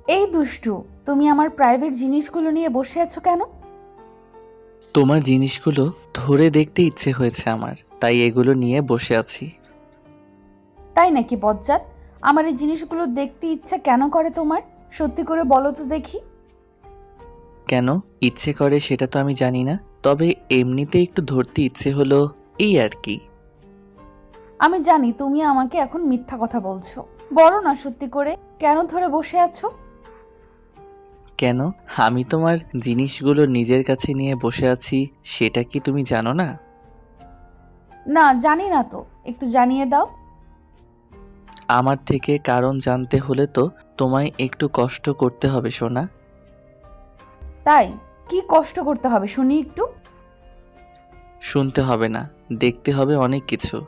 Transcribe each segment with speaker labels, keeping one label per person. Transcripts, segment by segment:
Speaker 1: এই দুষ্টু, তুমি আমার প্রাইভেট জিনিসগুলো নিয়ে বসে আছো কেন?
Speaker 2: তোমার জিনিসগুলো ধরে দেখতে ইচ্ছে হয়েছে আমার, তাই এগুলো নিয়ে বসে আছি।
Speaker 1: তাই নাকি বজ্জাত? আমার এই জিনিসগুলো দেখতে ইচ্ছা কেন করে তোমার? সত্যি করে বলো তো দেখি।
Speaker 2: কেন ইচ্ছে করে সেটা তো আমি জানি না, তবে এমনিতে একটু ধরতে ইচ্ছে হলো, এই আর কি।
Speaker 1: আমি জানি তুমি আমাকে এখন মিথ্যা কথা বলছো। বলো না সত্যি করে, কেন ধরে বসে আছো?
Speaker 2: কেন আমি তোমার জিনিসগুলো নিজের কাছে নিয়ে বসে আছি সেটা কি তুমি জানো না?
Speaker 1: না, জানি না তো, একটু জানিয়ে দাও।
Speaker 2: আমার থেকে কারণ জানতে হলে তো তোমায় একটু কষ্ট করতে হবে সোনা।
Speaker 1: তাই? কি কষ্ট করতে হবে শুনি একটু।
Speaker 2: শুনতে হবে না, দেখতে হবে অনেক কিছু।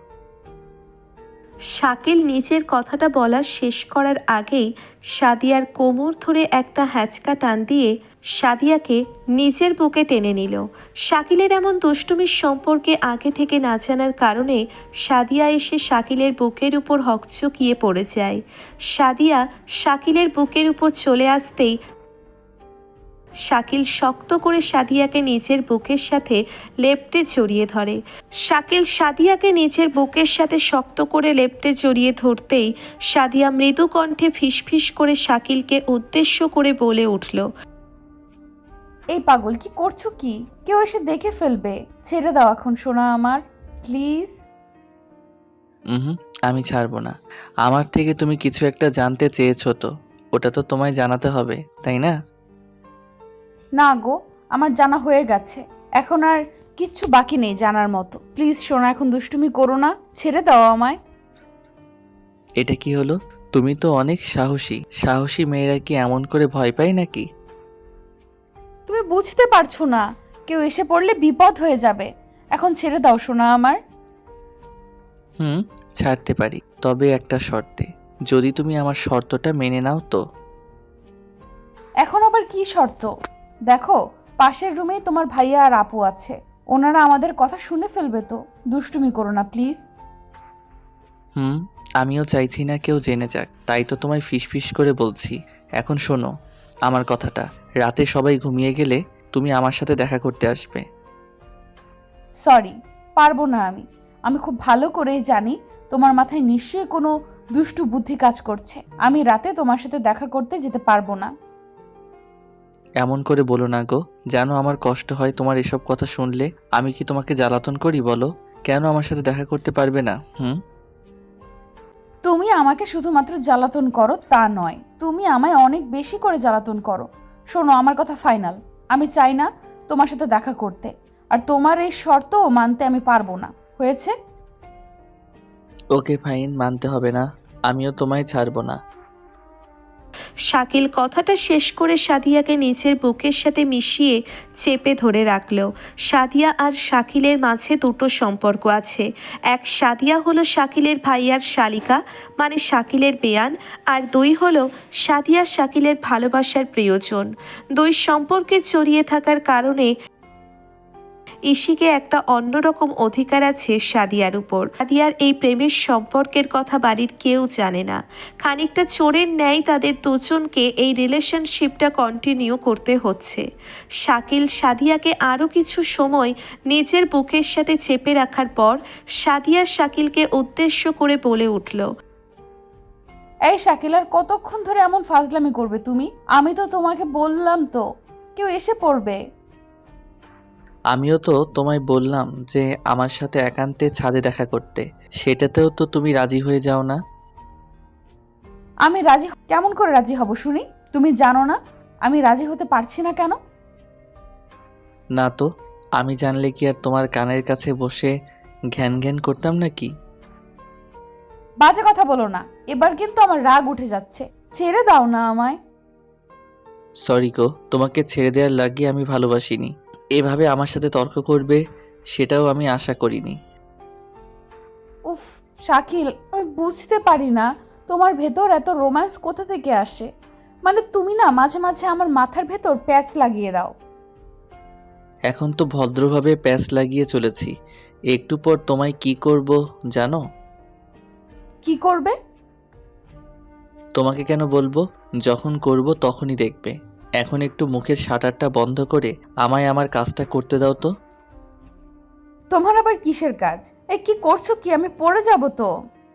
Speaker 3: শাকিল নিজের কথাটা বলা শেষ করার আগেই সাদিয়ার কোমর ধরে একটা হ্যাচকা টান দিয়ে সাদিয়াকে নিজের বুকে টেনে নিল। শাকিলের এমন দুষ্টুমির সম্পর্কে আগে থেকে না জানার কারণে সাদিয়া এসে শাকিলের বুকের উপর হকচকিয়ে পড়ে যায়। সাদিয়া শাকিলের বুকের উপর চলে আসতেই শাকিল শক্ত করে সাদিয়াকে নিজের বুকের সাথে লেপ্টে জড়িয়ে ধরে। শাকিল সাদিয়াকে নিজের বুকের সাথে শক্ত করে লেপ্টে জড়িয়ে ধরতেই সাদিয়া মৃদু কণ্ঠে ফিসফিস করে শাকিলকে উদ্দেশ্য করে বলে উঠল,
Speaker 1: এই পাগল, কি করছো কি? কেউ এসে দেখে ফেলবে। ছেড়ে দাও এখন সোনা আমার, প্লিজ।
Speaker 2: হুম, আমি ছাড়বো না। আমার থেকে তুমি কিছু একটা জানতে চেয়েছো, তো ওটা তো তোমায় জানাতে হবে, তাই না?
Speaker 1: না গো, আমার জানা হয়ে গেছে। এখন আর কিচ্ছু বাকি নেই জানার মতো। প্লিজ সোনা, এখন দুষ্টুমি করো না, ছেড়ে দাও আমায়।
Speaker 2: এটা কি হলো? তুমি তো অনেক সাহসী। সাহসী মেয়েরা কি এমন করে ভয় পায় নাকি?
Speaker 1: তুমি বুঝতে পারছো না, কেউ এসে পড়লে বিপদ হয়ে যাবে। এখন ছেড়ে দাও সোনা আমার।
Speaker 2: হুম, ছাড়তে পারি, তবে একটা শর্তে। যদি তুমি আমার শর্তটা মেনে নাও তো।
Speaker 1: এখন আবার কি শর্ত? দেখো, পাশের রুমেই তোমার ভাইয়া আর আপু আছে। ওনারা আমাদের কথা শুনে ফেলবে তো। দুষ্টুমি করো না প্লিজ।
Speaker 2: হুম, আমিও চাইছি না কেউ জেনে যাক, তাই তো তোমায় ফিসফিস করে বলছি। এখন শোনো আমার কথাটা। রাতে সবাই ঘুমিয়ে গেলে তুমি আমার সাথে দেখা করতে আসবে।
Speaker 1: সরি, পারবো না আমি। আমি খুব ভালো করেই জানি তোমার মাথায় নিশ্চয়ই কোনো দুষ্টু বুদ্ধি কাজ করছে। আমি রাতে তোমার সাথে দেখা করতে যেতে পারবো না।
Speaker 2: এমন করে বলো না গো, জানো আমার কষ্ট হয় তোমার এসব কথা শুনলে। আমি কি তোমাকে জ্বালাতন করি বলো? কেন আমার সাথে দেখা করতে পারবে না? হুম।
Speaker 1: তুমি আমাকে শুধুমাত্র জ্বালাতন করো তা নয়, তুমি আমায় অনেক বেশি করে জ্বালাতন করো। শোনো, আমার কথা ফাইনাল। আমি চাই না তোমার সাথে দেখা করতে, আর তোমার এই শর্তও মানতে আমি পারবো না। হয়েছে?
Speaker 2: ওকে ফাইন, মানতে হবে না। আমিও তোমায় ছাড়বো না।
Speaker 3: শাকিল কথাটা শেষ করে সাদিয়াকে নিজের বুকের সাথে মিশিয়ে চেপে ধরে রাখল। সাদিয়া আর শাকিলের মাঝে দুটো সম্পর্ক আছে। এক, সাদিয়া হলো শাকিলের ভাইয়ার শালিকা, মানে শাকিলের বেয়ান। আর দুই হলো সাদিয়া শাকিলের ভালোবাসার প্রিয়জন। দুই সম্পর্কে জড়িয়ে থাকার কারণে ইশিকে একটা অন্যরকম অধিকার আছে সাদিয়ার উপর। সাদিয়ার এই প্রেমের সম্পর্কের কথা বাড়ির কেউ জানে না। খানিকটা চোরের ন্যায় তাদের দুজনকে এই রিলেশনশিপটা কন্টিনিউ করতে হচ্ছে। শাকিল সাদিয়াকে আরও কিছু সময় নিজের বুকের সাথে চেপে রাখার পর সাদিয়া শাকিলকে উদ্দেশ্য করে বলে উঠল,
Speaker 1: এই শাকিল, আর কতক্ষণ ধরে এমন ফাজলামি করবে তুমি? আমি তো তোমাকে বললাম তো, কেউ এসে পড়বে।
Speaker 2: আমিও তো তোমায় বললাম যে আমার সাথে একান্তে ছাদে দেখা করতে, সেটাতেও তো তুমি রাজি হয়ে যাও না।
Speaker 1: আমি রাজি কেমন করে রাজি হব শুনি? তুমি জানো না আমি রাজি হতে পারছি না কেন?
Speaker 2: না তো, আমি জানলে কি আর তোমার কানের কাছে বসে ঘ্যান ঘ্যান করতাম নাকি?
Speaker 1: বাজে কথা বলো না, এবার কিন্তু আমার রাগ উঠে যাচ্ছে। ছেড়ে দাও না আমায়।
Speaker 2: সরি গো, তোমাকে ছেড়ে দেওয়ার লাগিয়ে আমি ভালোবাসিনি। এভাবে আমার সাথে তর্ক করবে সেটাও আমি আশা করিনি।
Speaker 1: উফ শাকিল, আমি বুঝতে পারি না তোমার ভেতর এত রোম্যান্স কোথা থেকে আসে। মানে তুমি না মাঝে মাঝে আমার মাথার ভেতর প্যাচ লাগিয়ে দাও।
Speaker 2: এখন তো ভদ্রভাবে প্যাচ লাগিয়ে চলেছি, একটু পর তোমায় কি করব জানো?
Speaker 1: কি করবে?
Speaker 2: তোমাকে কেন বলবো? যখন করব তখনই দেখবে। এখন একটু মুখের শাটারটা বন্ধ করে আমায় আমার কাজটা করতে দাও তো।
Speaker 1: তোমার আবার কিসের কাজ? এই কি করছো কি? আমি পড়ে যাব তো।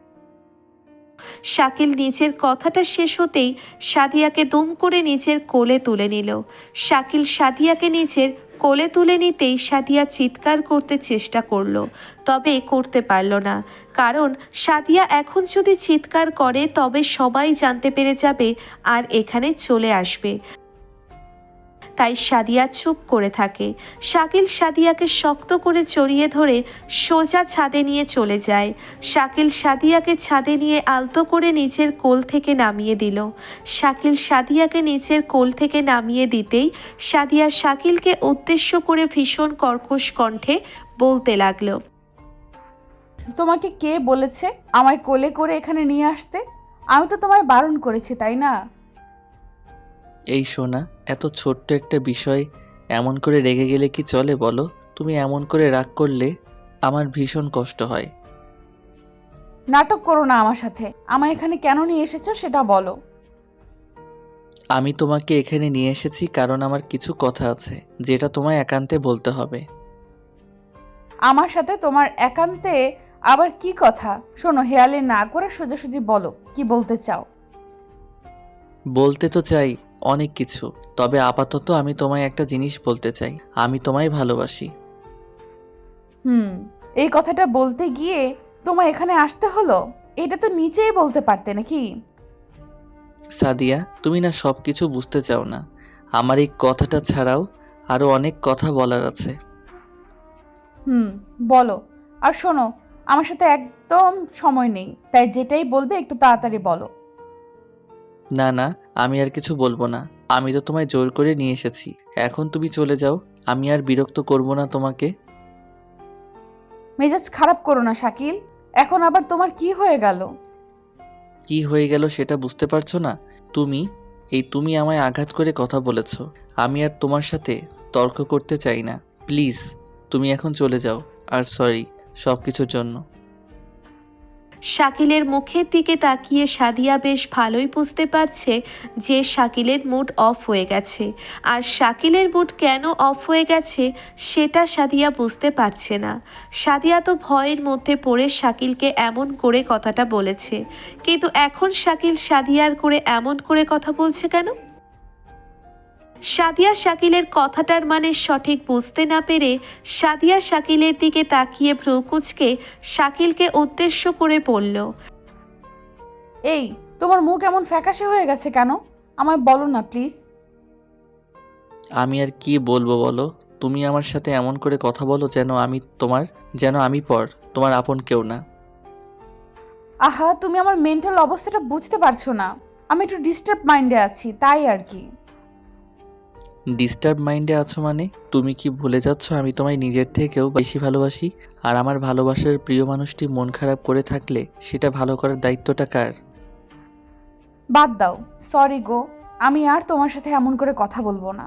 Speaker 3: শাকিল নিজের কথাটা শেষ হতেই সাদিয়াকে দুম করে নিজের কোলে তুলে নিল। শাকিল সাদিয়াকে নিজের কোলে তুলে নিতেই সাদিয়া চিৎকার করতে চেষ্টা করলো, তবে করতে পারল না। কারণ সাদিয়া এখন যদি চিৎকার করে তবে সবাই জানতে পেরে যাবে আর এখানে চলে আসবে। তাই সাদিয়া চুপ করে থাকে। শাকিল সাদিয়াকে শক্ত করে জড়িয়ে ধরে সোজা ছাদে নিয়ে চলে যায়। শাকিল সাদিয়াকে ছাদে নিয়ে আলতো করে নিচের কোল থেকে নামিয়ে দিল। শাকিল সাদিয়াকে নিচের কোল থেকে নামিয়ে দিতেই সাদিয়া শাকিলকে উদ্দেশ্য করে ভীষণ কর্কশ কণ্ঠে বলতে লাগলো,
Speaker 1: তোমাকে কে বলেছে আমায় কোলে করে এখানে নিয়ে আসতে? আমি তো তোমায় বারণ করেছি, তাই না?
Speaker 2: এই শোনা, এত ছোট্ট একটা বিষয় এমন করে রেগে গেলে কি চলে বলো? তুমি এমন করে রাগ করলে আমার ভীষণ কষ্ট হয়।
Speaker 1: নাটক করো না আমার সাথে। আমায় এখানে কেন নিয়ে এসেছো সেটা বলো।
Speaker 2: আমি তোমাকে এখানে নিয়ে এসেছি কারণ আমার কিছু কথা আছে যেটা তোমায় একান্তে বলতে হবে।
Speaker 1: আমার সাথে তোমার একান্তে আবার কি কথা? শোনো, হেয়ালি না করে সোজাসুজি বলো কি বলতে চাও।
Speaker 2: বলতে তো চাই অনেক কিছু, তবে আপাতত আমি তোমায় একটা জিনিস বলতে চাই। আমি তোমায় ভালোবাসি।
Speaker 1: এই কথাটা বলতে গিয়ে তোমায় এখানে আসতে হলো? এটা তো নিচেই বলতে পারতে নাকি?
Speaker 2: সাদিয়া, তুমি না সব কিছু বুঝতে চাও না। আমার এই কথাটা ছাড়াও আরও অনেক কথা বলার আছে।
Speaker 1: বলো। আর শোনো, আমার সাথে একদম সময় নেই, তাই যেটাই বলবে একটু তাড়াতাড়ি বলো।
Speaker 2: না না, আমি আর কিছু বলবো না। আমি তো তোমায় জোর করে নিয়ে এসেছি, এখন তুমি চলে যাও। আমি আর বিরক্ত করব না তোমাকে।
Speaker 1: মেজাজ খারাপ করো না শাকিল। এখন আবার তোমার কি হয়ে গেল?
Speaker 2: কি হয়ে গেল সেটা বুঝতে পারছো না? তুমি আমায় আঘাত করে কথা বলেছো। আমি আর তোমার সাথে তর্ক করতে চাই না। প্লিজ তুমি এখন চলে যাও। আর সরি সব কিছুর জন্য।
Speaker 3: শাকিলের মুখের দিকে তাকিয়ে সাদিয়া বেশ ভালোই বুঝতে পারছে যে শাকিলের মুড অফ হয়ে গেছে। আর শাকিলের মুড কেন অফ হয়ে গেছে সেটা সাদিয়া বুঝতে পারছে না। সাদিয়া তো ভয়ের মধ্যে পড়ে শাকিলকে এমন করে কথাটা বলেছে, কিন্তু এখন শাকিল সাদিয়ার করে এমন করে কথা বলছে কেন? সাদিয়া শাকিলের কথাটার মানে সঠিক বুঝতে না পেরে সাদিয়া শাকিলের দিকে তাকিয়ে ভ্রু কুঁচকে শাকিলকে উদ্দেশ্য করে বলল,
Speaker 1: এই, তোমার মুখ এমন ফ্যাকাশে হয়ে গেছে কেন? আমায় বলো না প্লিজ।
Speaker 2: আমি আর কি বলবো বলো? তুমি আমার সাথে এমন করে কথা বলো যেন আমি তোমার আপন কেউ না।
Speaker 1: আহা, তুমি আমার মেন্টাল অবস্থাটা বুঝতে পারছো না। আমি একটু ডিস্টার্ব মাইন্ডে আছি, তাই আর কি।
Speaker 2: ডিস্টার্ব মাইন্ডে আছো মানে? তুমি কি ভুলে যাচ্ছ আমি তোমায় নিজের থেকেও বেশি ভালোবাসি? আর আমার ভালোবাসার প্রিয় মানুষটি মন খারাপ করে থাকলে সেটা ভালো করার দায়িত্বটা কার?
Speaker 1: বাদ দাও, সরি গো। আমি আর তোমার সাথে এমন করে কথা বলবো না।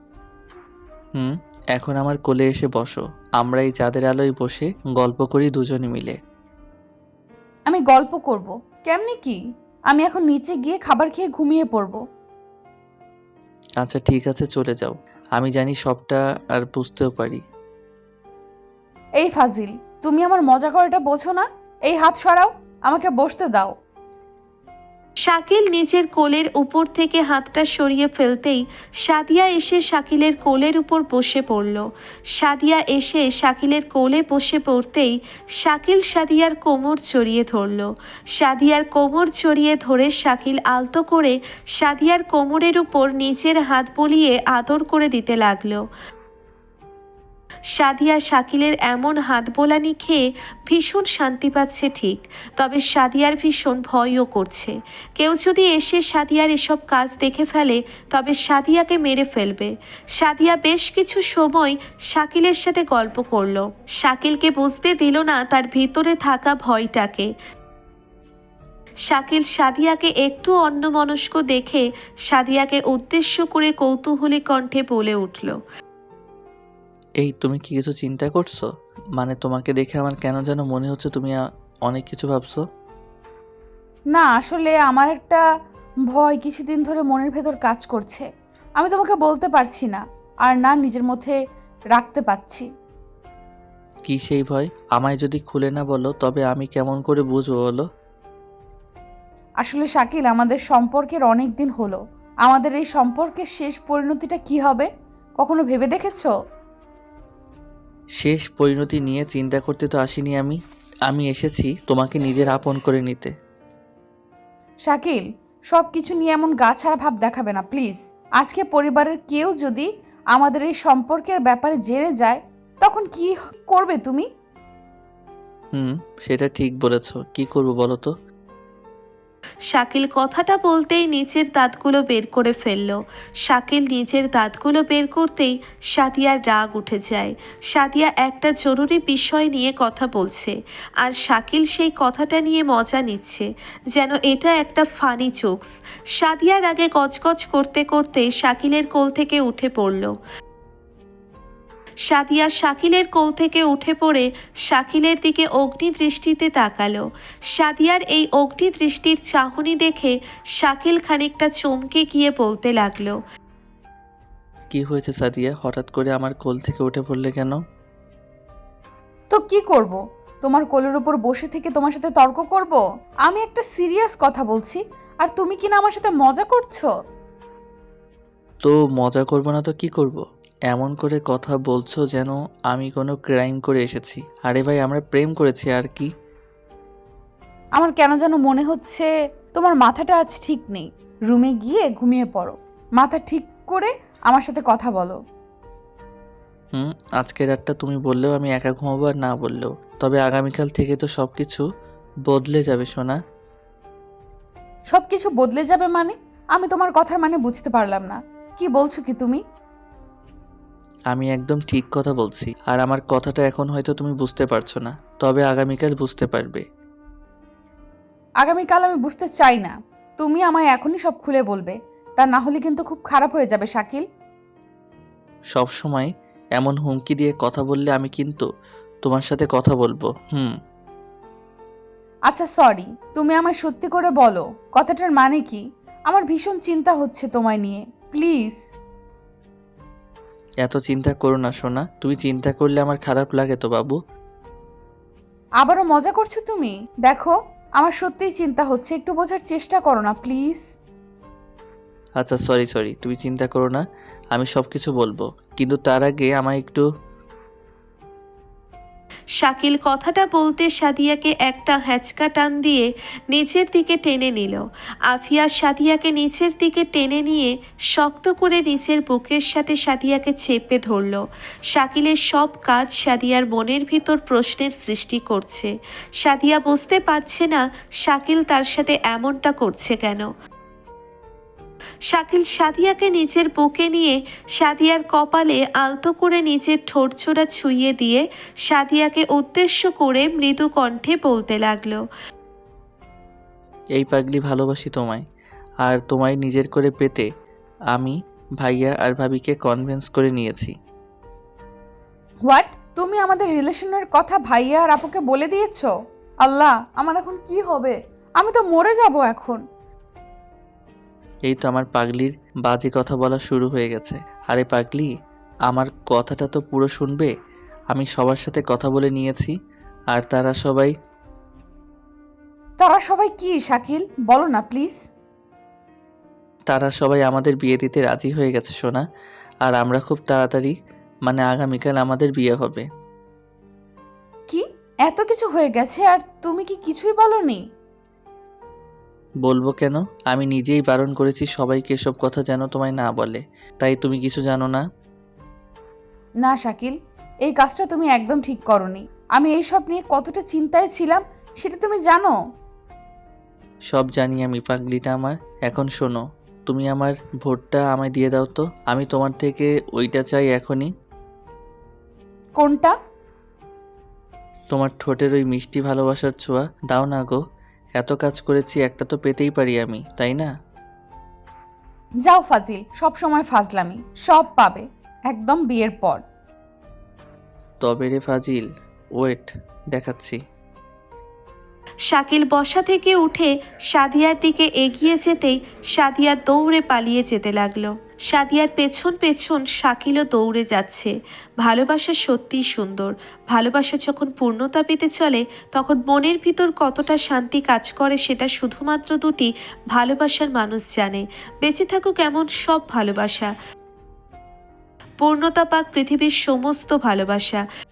Speaker 2: এখন আমার কোলে এসে বসো। আমরা এই চাঁদের আলোয় বসে গল্প করি দুজনে মিলে।
Speaker 1: আমি গল্প করব? কেমনে কি? আমি এখন নিচে গিয়ে খাবার খেয়ে ঘুমিয়ে পড়বো।
Speaker 2: আচ্ছা ঠিক আছে, চলে যাও। আমি জানি সবটা আর বুঝতেও পারি।
Speaker 1: এই ফাজিল, তুমি আমার মজা করাটা বোঝো না? এই হাত সরাও, আমাকে বসতে দাও।
Speaker 3: শাকিল নিজের কোলের উপর থেকে হাতটা সরিয়ে ফেলতেই সাদিয়া এসে শাকিলের কোলের উপর বসে পড়ল। সাদিয়া এসে শাকিলের কোলে বসে পড়তেই শাকিল সাদিয়ার কোমর জড়িয়ে ধরল। সাদিয়ার কোমর জড়িয়ে ধরে শাকিল আলতো করে সাদিয়ার কোমরের উপর নিজের হাত বলিয়ে আদর করে দিতে লাগলো। সাদিয়া শাকিলের এমন হাত বোলানি খেয়ে ভীষণ শান্তি পাচ্ছে ঠিক, তবে সাদিয়ার ভীষণ ভয়ও করছে। কেউ যদি এসে সাদিয়ার এসব কাজ দেখে ফেলে তবে সাদিয়াকে মেরে ফেলবে। সাদিয়া বেশ কিছু সময় শাকিলের সাথে গল্প করলো। শাকিলকে বুঝতে দিল না তার ভিতরে থাকা ভয়টাকে। শাকিল সাদিয়াকে একটু অন্যমনস্ক দেখে সাদিয়াকে উদ্দেশ্য করে কৌতূহলী কণ্ঠে বলে উঠল,
Speaker 2: এই তুমি কি কিছু চিন্তা করছো? মানে তোমাকে দেখে আমার কেন যেন মনে হচ্ছে তুমি অনেক কিছু ভাবছো।
Speaker 1: না, আসলে আমার একটা ভয় কিছুদিন ধরে মনের ভেতর কাজ করছে। আমি তোমাকে বলতে পারছি না, আর না নিজের মধ্যে রাখতে পারছি।
Speaker 2: কি সেই ভয়? আমায় যদি খুলে না বলো তবে আমি কেমন করে বুঝবো বলো?
Speaker 1: আসলে শাকিল, আমাদের সম্পর্কের অনেক দিন হলো। আমাদের এই সম্পর্কের শেষ পরিণতিটা কি হবে কখনো ভেবে দেখেছো?
Speaker 2: শেষ পরিণতি নিয়ে চিন্তা করতে তো আসিনি আমি। আমি এসেছি তোমাকে নিজের আপন করে নিতে।
Speaker 1: শাকিল, সব কিছু নিয়ে এমন গা ছাড়া ভাব দেখাবে না প্লিজ। আজকে পরিবারের কেউ যদি আমাদের এই সম্পর্কের ব্যাপারে জেনে যায়, তখন কি করবে তুমি?
Speaker 2: সেটা ঠিক বলেছ। কি করব বলো তো?
Speaker 3: শাকিল কথাটা বলতেই নিচের দাঁতগুলো বের করে ফেলল। শাকিল নিজের দাঁতগুলো বের করতেই সাদিয়ার রাগ উঠে যায়। সাদিয়া একটা জরুরি বিষয় নিয়ে কথা বলছে, আর শাকিল সেই কথাটা নিয়ে মজা নিচ্ছে, যেন এটা একটা ফানি জোকস। সাদিয়ার আগে গজগজ করতে করতে শাকিলের কোল থেকে উঠে পড়ল। সাদিয়া শাকিলের কোল থেকে উঠে পড়ে শাকিলের দিকে অগ্নি দৃষ্টিতে তাকালো। সাদিয়ার এই অগ্নি দৃষ্টির চাহনি দেখে শাকিল খানিকটা চমকে গিয়ে বলতে লাগলো,
Speaker 2: কি হয়েছে সাদিয়া? হঠাৎ করে আমার কোল থেকে উঠে পড়লে কেন?
Speaker 1: তো কি করব? তোমার কোলের উপর বসে থেকে তোমার সাথে তর্ক করব? আমি একটা সিরিয়াস কথা বলছি, আর তুমি কিনা আমার সাথে মজা করছো।
Speaker 2: তো মজা করব না তো কি করব? এমন করে কথা বলছো যেন আমি কোনো ক্রাইম করে এসেছি। আরে ভাই, আমরা প্রেম করেছি আর কি।
Speaker 1: আমার কেন যেন মনে হচ্ছে তোমার মাথাটা আজ ঠিক নেই। রুমে গিয়ে ঘুমিয়ে পড়ো, মাথা ঠিক করে আমার সাথে কথা বলো।
Speaker 2: আজকের রাতটা তুমি বললেও আমি একা ঘুমাবো, আর না বললেও। তবে আগামীকাল থেকে তো সব কিছু বদলে যাবে সোনা।
Speaker 1: সব কিছু বদলে যাবে মানে? আমি তোমার কথার মানে বুঝতে পারলাম না। কি বলছো কি তুমি?
Speaker 2: আমি একদম ঠিক কথা বলছি, আর আমার কথাটা এখন হয়তো তুমি বুঝতে পারছো না, তবে আগামীকাল বুঝতে পারবে।
Speaker 1: আগামীকাল আমি বুঝতে চাই না। তুমি আমায় এখনই সব খুলে বলবে, তা না হলে কিন্তু খুব খারাপ হয়ে যাবে শাকিল।
Speaker 2: সব সময় এমন হুমকি দিয়ে কথা বললে আমি কিন্তু তোমার সাথে কথা বলবো।
Speaker 1: আচ্ছা সরি, তুমি আমায় সত্যি করে বলো কথাটার মানে কি। আমার ভীষণ চিন্তা হচ্ছে তোমায় নিয়ে, প্লিজ।
Speaker 2: এত চিন্তা করো না সোনা। তুমি চিন্তা করলে আমার খারাপ লাগে তো বাবু।
Speaker 1: আবারও মজা করছো তুমি? দেখো, আমার সত্যিই চিন্তা হচ্ছে, একটু বোঝার চেষ্টা করো না প্লিজ।
Speaker 2: আচ্ছা সরি, তুমি চিন্তা করো না, আমি সব কিছু বলবো, কিন্তু তার আগে আমায় একটু।
Speaker 3: শাকিল কথাটা বলতে সাদিয়াকে একটা হ্যাচকা টান দিয়ে নিচের দিকে টেনে নিল। আফিয়া সাদিয়াকে নিচের দিকে টেনে নিয়ে শক্ত করে নিচের বুকের সাথে সাদিয়াকে চেপে ধরল। শাকিলের সব কাজ সাদিয়ার মনের ভিতর প্রশ্নের সৃষ্টি করছে। সাদিয়া বুঝতে পারছে না শাকিল তার সাথে এমনটা করছে কেন। শাকিল সাদিয়াকে নিচের বুকে নিয়ে সাদিয়ার কপালে আলতো করে নিচের ঠোঁটছোড়া ছুঁয়ে দিয়ে সাদিয়াকে উদ্দেশ্য করে মৃদু কণ্ঠে বলতে লাগলো,
Speaker 2: এই পাগলি ভালোবাসি তোমায়, আর তোমায় নিজের করে পেতে আমি ভাইয়া আর ভাবিকে কনভিন্স করে নিয়েছি।
Speaker 1: হোয়াট? তুমি আমাদের রিলেশনের কথা ভাইয়া আর আপুকে বলে দিয়েছো? আল্লাহ, আমার এখন কি হবে? আমি তো মরে যাব এখন।
Speaker 2: এই তো আমার পাগলির বাজে কথা বলা শুরু হয়ে গেছে। আরে পাগলি, আমার কথাটা তো পুরো শুনবে। আমি সবার সাথে কথা বলে নিয়েছি, আর তারা
Speaker 1: সবাই কি শাকিল, বলো না প্লিজ।
Speaker 2: আমাদের বিয়ে দিতে রাজি হয়ে গেছে সোনা। আর আমরা খুব তাড়াতাড়ি, মানে আগামীকাল আমাদের বিয়ে হবে।
Speaker 1: কি? এত কিছু হয়ে গেছে আর তুমি কি কিছুই বলনি?
Speaker 2: বলবো কেন? আমি নিজেই বারণ করেছি সবাইকে এসব কথা যেন তোমায় না বলে। তাই তুমি কিছু জানো না?
Speaker 1: না শাকিল, এই কাজটা তুমি একদম ঠিক করনি। আমি এইসব নিয়ে কতটা চিন্তায় ছিলাম সেটা তুমি জানো।
Speaker 2: সব জানি আমি পাগলিটা আমার। এখন শোনো, তুমি আমার ভোটটা আমায় দিয়ে দাও তো। আমি তোমার থেকে ওইটা চাই এখনই।
Speaker 1: কোনটা?
Speaker 2: তোমার ঠোঁটের ওই মিষ্টি ভালোবাসার ছোঁয়া দাও না গো। এত কাজ করেছি, একটা তো পেতেই পারি আমি, তাই না?
Speaker 1: যাও ফাজিল, সব সময় ফাজলামি। সব পাবে একদম বিয়ের পর।
Speaker 2: তবে রে ফাজিল, ওয়েট দেখাচ্ছি।
Speaker 3: শাকিল বসা থেকে উঠে সাদিয়ার দিকে এগিয়ে যেতেই সাদিয়া দৌড়ে পালিয়ে যেতে লাগলো। সাদিয়ার পেছন পেছন শাকিলও দৌড়ে যাচ্ছে। ভালোবাসা সত্যিই সুন্দর। ভালোবাসা যখন পূর্ণতা পেতে চলে তখন মনের ভিতর কতটা শান্তি কাজ করে সেটা শুধুমাত্র দুটি ভালোবাসার মানুষ জানে। বেঁচে থাকুক এমন সব ভালোবাসা, পূর্ণতা পাক পৃথিবীর সমস্ত ভালোবাসা।